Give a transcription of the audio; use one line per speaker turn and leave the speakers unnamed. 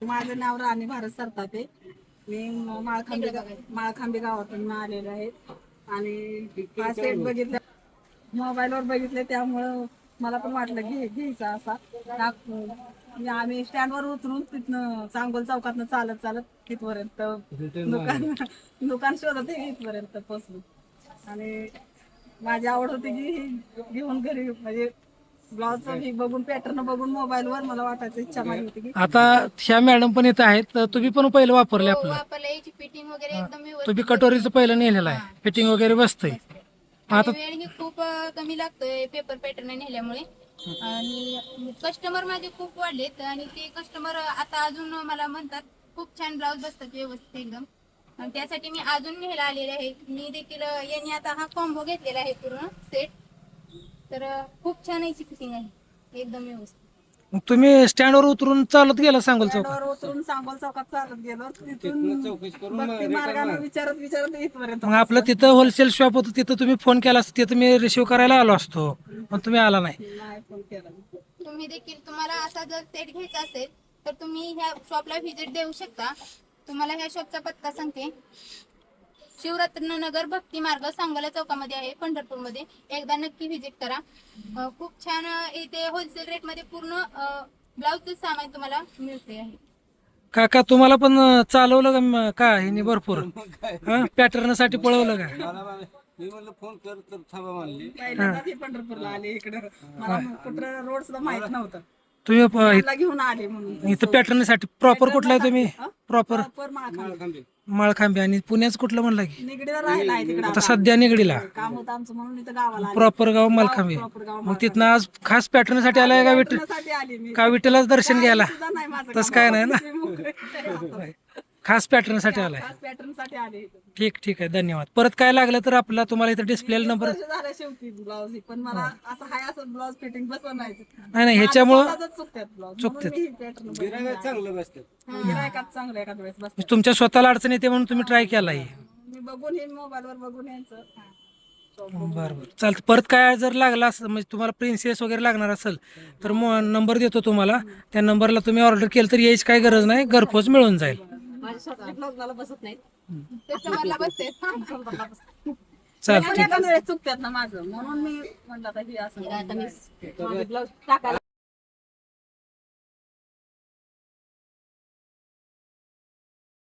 माझं नाव राणी भारत सरतापे. मी माळखांबे गावातून आलेले आहे आणि हा सेट बघितला, मोबाईलवर बघितले, त्यामुळं मला पण वाटलं घ्यायचा असा. आम्ही स्टँडवर उतरून तिथनं चांगोल चौकातनं चालत चालत इथपर्यंत दुकान शोधत इथपर्यंत पोहोचलो आणि माझी आवड होती की घेऊन घरी, म्हणजे ब्लाउजचं बघून पॅटर्न बघून मोबाईलवर मला वाटायचं, इच्छा माझी होती की
आता ह्या मॅडम पण इथं आहेत, तर तुम्ही पण पहिलं वापरले आपलं.
याची फिटिंग वगैरे एकदम
तुम्ही कटोरीचं पहिलं नेलेलं आहे, फिटिंग वगैरे बसतंय. आता
वेळ ही खूप कमी लागतोय पेपर पॅटर्न नेल्यामुळे. आणि कस्टमर माझे खूप वाढलेत आणि ते कस्टमर आता अजून मला म्हणतात खूप छान ब्लाउज बसतात व्यवस्थित एकदम. आणि त्यासाठी मी अजून न्यायला आलेले आहे. मी देखील यांनी आता हा कॉम्बो घेतलेला आहे पूर्ण सेट. तर खूप छान याची फिटिंग आहे एकदम व्यवस्थित.
मग तुम्ही स्टँडवर उतरून चालत गेला सांगोल चौकात.
स्टँडवर उतरून सांगोल चौकात चालत गेलो, तिथून भक्ती मार्गाने विचारत इथपर्यंत.
मग आपलं तिथं होलसेल शॉप होतं, तिथं तुम्ही फोन केला असता, तिथं मी रिसिव्ह करायला आलो असतो, पण तुम्ही आला नाही.
नाही फोन केला.
तुम्ही देखील तुम्हाला असा जर सेट घ्यायचा असेल तर तुम्ही ह्या शॉपला व्हिजिट देऊ शकता. तुम्हाला ह्या शॉपचा पत्ता सांगते. शिवरत्न नगर भक्ती मार्ग सांगोला चौकामध्ये आहे, पंढरपूरमध्ये. एकदा नक्की व्हिजिट करा. खूप छान इथे होलसेल रेट मध्ये पूर्ण ब्लाउजचं सामान तुम्हाला मिळते आहे.
काका तुम्हाला पण चालवलं का ह्यानी भरपूर पॅटर्न साठी पळवलं का?
मी म्हणलं फोन कर तर थांबा म्हणली.
पहिल्यांदाच हे पंढरपूरला आले इकडं, मला कुठं रोड सुद्धा माहित नव्हतं.
तुम्ही
मला घेऊन आले म्हणून.
इथं पॅटर्न साठी प्रॉपर कुठला आहे तुम्ही? प्रॉपर
माळखांबे.
माळखांबे. आणि पुण्याच कुठलं म्हणलं की?
निगडीला राहिला आहे तिकडं.
आता सध्या निगडीला
काम होतं आमचं म्हणून इथं गावाला आले.
प्रॉपर गाव मालखांबे.
प्रॉपर गाव
मग तिथनं आज खास पॅटर्न साठी आलाय का
साठी आली मी.
का विठ्ठलाच दर्शन घ्यायला?
सुद्धा नाही माझं
तसं
काम.
काय नाही ना?
मी मोकळे.
खास पॅटर्न साठी आलाय.
खास पॅटर्न साठी आले इथं.
ठीक आहे, धन्यवाद. परत काय लागलं तर आपला तुम्हाला इथं डिस्प्लेला नंबर.
वर्ष झालं शेवटी ब्लाउज, पण मला असं हाय असं ब्लाउज फिटिंग बसवून
नाही ह्याच्यामुळं
चुकतात ब्लाउज.
चुकतात.
गिरायक चांगलं बसतं.
गिरायकात चांगलं एखाद्या वेळेस बसतात.
तुमच्या स्वतःला अडचण येते म्हणून तुम्ही ट्राय केला आहे.
मी बघून हे मोबाईलवर बघून यायचं.
बरं चालतं. परत काय जर लागला असं, म्हणजे तुम्हाला प्रिन्सेस वगैरे लागणार असेल तर नंबर देतो तुम्हाला. त्या नंबरला तुम्ही ऑर्डर केलं तर यायची काही गरज नाही, घरपोच मिळून जाईल.
माझ्या स्वतःच्या ब्लाउज मला बसत नाही.
कस्टमरला बसते.
चालतं.
एखाद्या वेळेस चुकतात ना माझं, म्हणून मी म्हणलं आता हे असं ब्लाउज टाकायला